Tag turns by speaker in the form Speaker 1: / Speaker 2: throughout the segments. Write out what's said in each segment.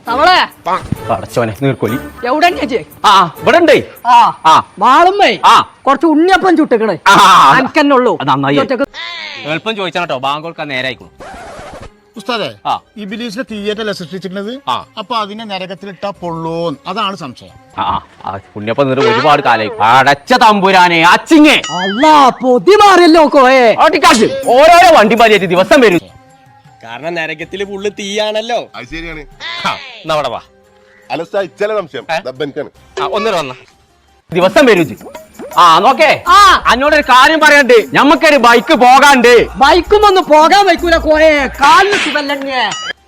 Speaker 1: തവളെ
Speaker 2: പടച്ചോനെ നീർക്കോലി
Speaker 1: എവിടെ
Speaker 2: ആ ഇവിടെ ഉണ്ടേ
Speaker 1: വാളുമ്മേ കുറച്ച് ഉണ്ണിയപ്പം ചുട്ടിക്കണേ അനക്കന്നുള്ളൂ
Speaker 2: നന്നായി എളുപ്പം ചോദിച്ചാ കേട്ടോ ബാങ്കോൾക്കാ നേരായിക്കോ
Speaker 3: ഉസ്താദേ ഇബിലീസിനെ തീയേറ്റല്ല സൃഷ്ടിച്ചിരുന്നത് അപ്പൊ അതിനെ നരകത്തിലിട്ട പൊള്ളോന്ന് അതാണ് സംശയം.
Speaker 2: ഉണ്ണിയപ്പം നീർ ഒരുപാട് കാലായി അടച്ച തമ്പുരാനെ അച്ചിങ്ങേ
Speaker 1: അല്ല പൊതി മാറിയല്ലോ കോയെ
Speaker 2: ഓരോരോ വണ്ടി പാലിയേറ്റ് ദിവസം വരും
Speaker 4: കാരണം നരകത്തില് പുള്ളി തീയാണല്ലോ.
Speaker 5: അത് ശരിയാണ്.
Speaker 2: അവിടെ വാ
Speaker 5: അലസ്ത ഇച്ചല സംശയം ദബ്ബൻക്കാണ്.
Speaker 2: ഒന്നര വന്ന ദിവസം വരും നോക്കേ എന്നോടൊരു കാര്യം പറയണ്ട് ഞമ്മക്കൊരു ബൈക്ക് പോകാണ്ട്
Speaker 1: ബൈക്കും ഒന്ന് പോകാൻ വയ്ക്കൂല കോയെ കാലിന് സുഖല്ലേ.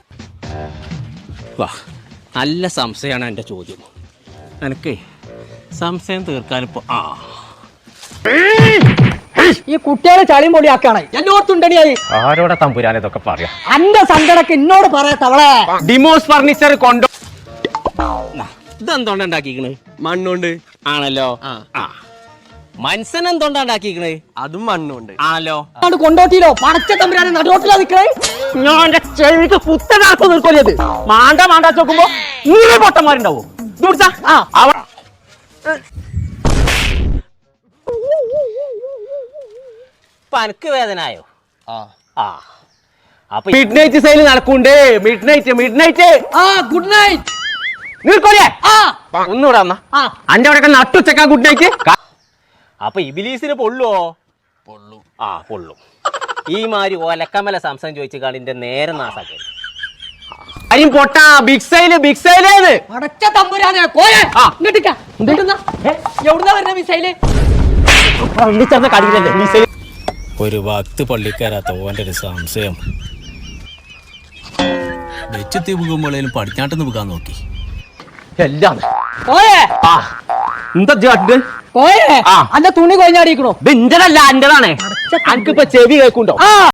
Speaker 2: നല്ല സംശയമാണ് എന്റെ ചോദ്യം. എനിക്ക് സംശയം തീർക്കാനിപ്പോ
Speaker 1: ഈ കുട്ടികളെ ചളിയും പൊളിയാക്കാണ് എന്നോർത്തുണ്ടണിയായി
Speaker 2: ആരോടെ തമ്പുരാൻ ഇതൊക്കെ പറയാം.
Speaker 1: അന്റെ സങ്കടക്ക് എന്നോട് പറയാ തവളെ.
Speaker 2: ഡിമോസ് ഫർണിച്ചർ കൊണ്ടോ ഇതെന്തോണ്ട ഉണ്ടാക്കിക്കണ്?
Speaker 4: മണ്ണുണ്ട്
Speaker 2: ആണല്ലോ. മനുഷ്യൻ എന്തോണ്ടാ ഉണ്ടാക്കിക്കണ്?
Speaker 4: അതും മണ്ണുണ്ട്
Speaker 2: ആണല്ലോ.
Speaker 1: കൊണ്ടോട്ടിയിലോ പടച്ച തമ്പുരാനെ നടുവോട്ടിലാ നിക്കണേ.
Speaker 2: ഞാൻ ചെവിക്ക് പുത്തനാർത്ത് നിൽക്കൊല്ലത് മാണ്ട മാണ്ടാ നോക്കുമ്പോ നീ പൊട്ടന്മാരുണ്ടാവോ? പനക്ക് വേദനായോ? അപ്പൊ മിഡ് നൈറ്റ് സെയിൽ നടക്കുന്നുണ്ട്. മിഡ് നൈറ്റ്
Speaker 1: ഗുഡ് നൈറ്റ്
Speaker 2: നീർക്കോലിയേ ഒന്നുകൂടെ വന്നാ അന്റെ അവിടെ നട്ടുച്ചക്കാ ഗുഡ് നൈറ്റ്. അപ്പൊ ഇബിലീസിന് പൊള്ളുവോ? പൊള്ളും. ഈ മാതിരി ഒലക്കമല സംശയം ചോദിച്ചു കാണിന്റെ നേരെ നാസാക്കി കാര്യം പൊട്ടാ. ബിഗ് സൈല്
Speaker 1: പടച്ച തമ്പുരാനെ കോയെ എവിടുന്നാ വരുന്ന മിസൈല്?
Speaker 2: കളിയിലല്ലേ മിസൈൽ.
Speaker 6: ഒരു ഭക്ത് പള്ളിക്കാരാത്ത ഓൻ്റെ ഒരു സംശയം വെച്ചെത്തി പോകുമ്പോഴേലും പടിഞ്ഞാട്ടെന്ന് പോകാൻ നോക്കി
Speaker 2: എല്ലാം
Speaker 1: കോയെ അന്റെ തുണി കൊഞ്ഞാടിക്കണോ?
Speaker 2: ഇഞ്ചതല്ല എന്റേതാണ്. എനിക്കിപ്പോ ചെവി കേൾക്കുണ്ടോ?